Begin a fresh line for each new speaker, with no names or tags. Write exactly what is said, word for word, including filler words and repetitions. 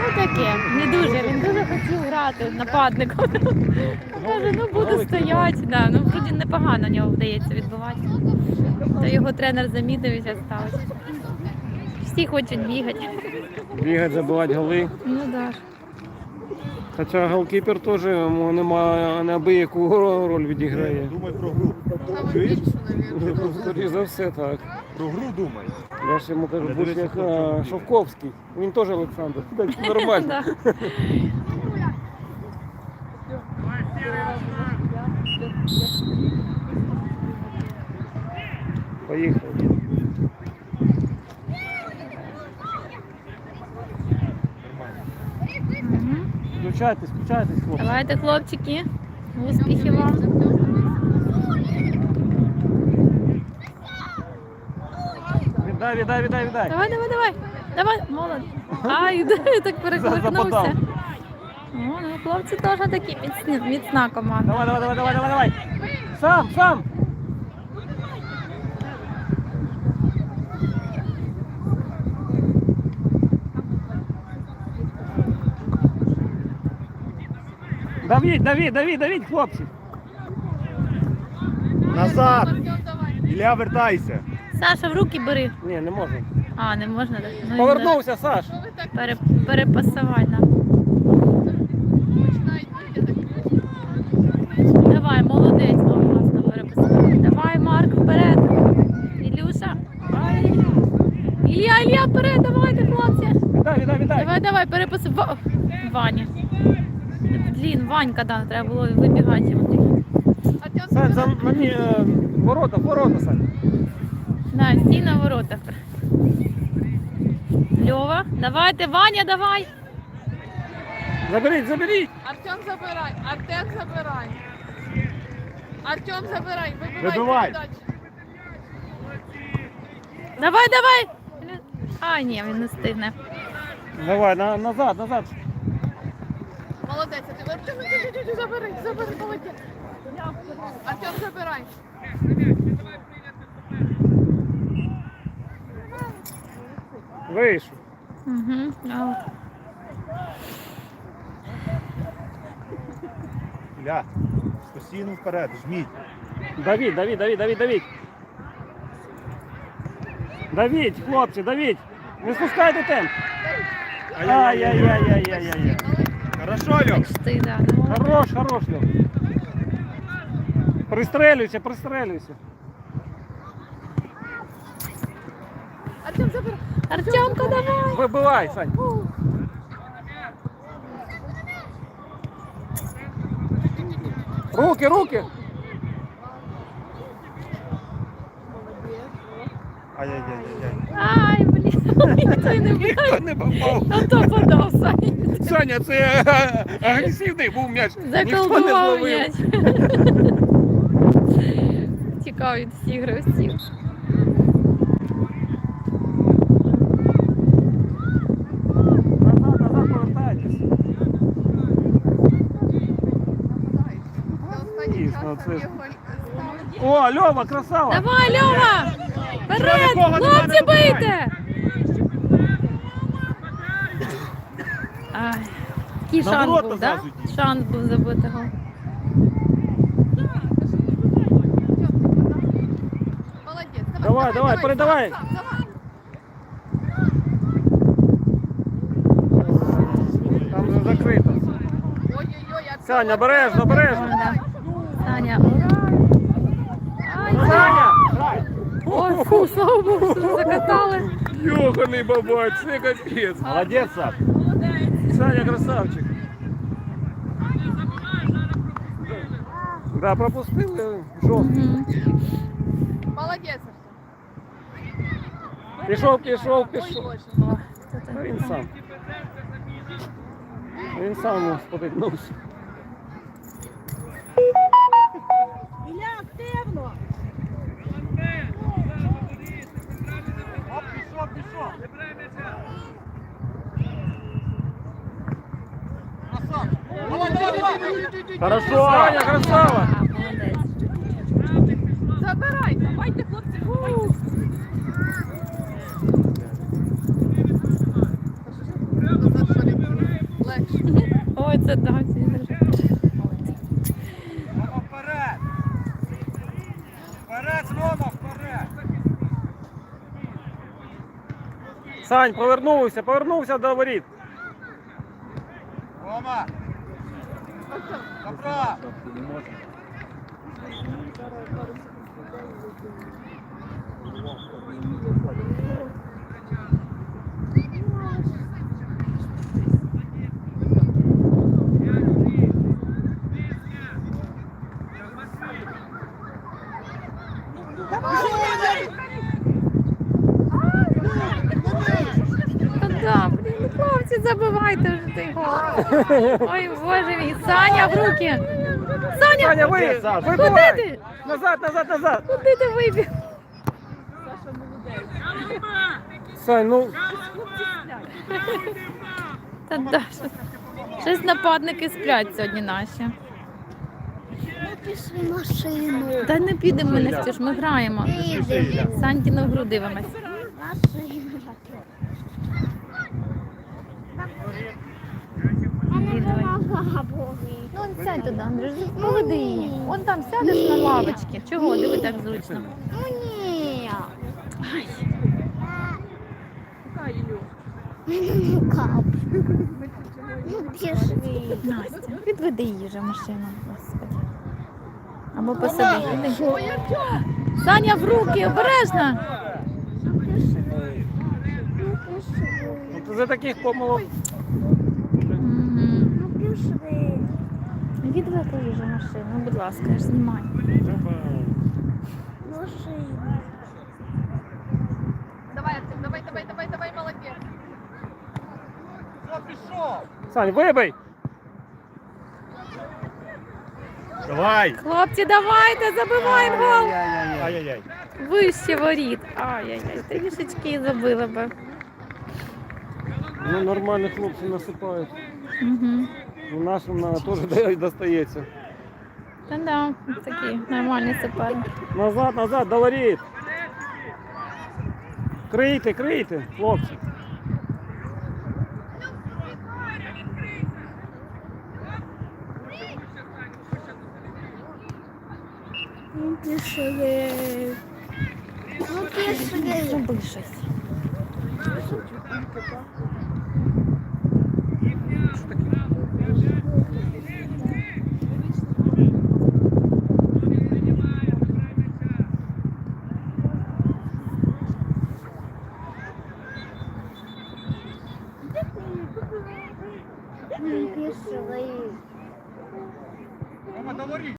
таке, не дуже, він дуже хотів грати нападником. Каже, ну буду стояти. Да, ну вроді непогано в нього вдається відбувати. То його тренер замітив і зараз ставить. Всі хочуть бігати.
Бігати, забивати голи.
Ну так.
Хоча голкіпер теж немає неабияку роль відіграє.
Думай про гру.
Чуєш?
Скоріше за все так.
Про гру думай.
Я ж йому кажу, будь як а, Шовковський. Він теж Олександр. Так нормально.
Да.
Поїхали.
Мгм.
Включайтесь, включайтесь, хлопці.
Давайте, хлопчики, успіхів вам.
Віддай, віддай, віддай, віддай.
Давай, давай, давай. Давай, молодець. Ай, так перекликнувся.
Запитав.
Ну, ну, хлопці теж такі міцні, міцна команда.
Давай, давай, давай, давай, давай, давай. Сам, сам. Давіть, давіть, давіть, давіть, хлопці.
Назад! Ілля, вертайся.
Саша, в руки бери.
Ні, не можу.
А, не можна так? Ну,
Повернувся, Саш.
Пере, перепасувати, да. Давай, молодець, о, класно перепасувати. Давай, Марк, вперед. Ілюша. Ай. Ілля, Ілля, вперед, давайте, хлопці.
Віддай, віддай, віддай.
Давай, давай, перепаси. Ва- Ваня. Блін, Ванька, да, треба було вибігати.
Сань, за мені е, ворота, ворота, Сань.
Да, стій на воротах. Льова, давайте, Ваня, давай.
Заберіть, заберіть.
Артем забирай, Артем забирай. Артем забирай, вибивай
Вибивай.
передачу.
Давай, давай. А, ні, він не встигне.
Давай, на, назад, назад.
Молодець, Артем, Артем, Артем, Артем, забери, забери, молодець. Артем, забирай.
Вийшов.
Угу.
Ілля, постійно вперед, жміть.
Давіть, давіть, давіть, давіть, давіть. Давіть, хлопці, давіть. Не спускайте темп. Ай-яй-яй-яй-яй-яй.
Хорошо, Льох.
Почти, да. Ну,
Хорош, хорош, Льох. Пристрелюйся, пристрелюйся.
Артем, забирай.
Артемка, давай.
Вибивай, Сань. Руки, руки.
Ай-яй-яй-яй.
Ай, блін, ніхто й не бігає.
Не попав.
А то подав, Саня.
Саня, це е, агресивний був м'яч. Ніхто не
Заколдував
зловив.
м'яч. Тікав від всіх гравців.
Назад, назад повертайтесь. Дійсно, це ж- О, Льова, красава.
Давай, Льова! Вперед!
нікого нема,
Хлопці,
не вбивай.
бийте! Ай, такий
На
шанс
ворота
був, так?
зразу йдіть.
Шанс був забити гол.
Молодець,
Давай, давай, передавай.
сам, давай.
Там вже закрито.
Ой-ой-ой, Артем,
Саня,
Артем,
обережно,
Артем,
обережно.
давай.
Саня, ура! Ай,
Саня!
ой, фу, слава Богу, що закатали.
Йоханий бабать, це капець.
Молодець, Саш.
Саня красавчик. Да, пропустили жовтий.
Мгм.
Молодець, Артем.
Пішов, пішов,
Ой,
пішов.
Боже.
О, це
Та
так.
Він сам. Він сам спотикнувся.
Оп, пішов, пішов.
Хорошо, Саня, красава.
А, молодець.
Забирай, давайте, хлопці, фу. Назад, що ли? легше.
Ой, це да, всі держать.
Рома, вперед! Вперед, Рома, вперед!
Сань, повернувся, повернувся до воріт.
Рома! Направо!
Та да, блін, ну, хлопці, забивайте вже той гол. Ой, боже мій, Саня в руки. Саня,
Саня, ви,
Саша.
куди
вибивай!
ти?
Назад, назад, назад!
Куди ти вибіг?
Сань, ну,
Та да, що- щось нападники сплять сьогодні наші.
Пішли машину.
Та не підемо ми на стіж, ми граємо. Санькіну гру дивимось.
Машину.
Ну, он сядь туди, Андрюш, поведи її. Он там сядеш на лавочці. Чого? Диви, так зручно.
Ну ні. Ну кап. Ну пішли.
Настя, відведи її вже в машину, господи. Або посади. Іди. Саня в руки, обережно.
Ну пішли.
ну, ти за таких помилок.
Мгм.
Ну пішли.
Відведи її вже в машину, ну, будь ласка, я ж знімаю.
Машину.
Давай, Артем, давай, давай, давай, давай, молодець.
Все, пішов!
Сань, вибий!
Давай!
Хлопці, давайте, забиваємо гол.
Ай-яй-яй.
Вище воріт. Ай-яй-яй, трішечки забили би.
Ну, нормально хлопці насипають.
Угу.
Ну, нашим на, теж де- достається.
Та да, такі нормальні суперники.
Назад, назад, до воріт! Крийте, крийте, хлопці.
Ну пішли. Ну пішли.
Зроби щось.
Ну пішли.
Рома, до воріт!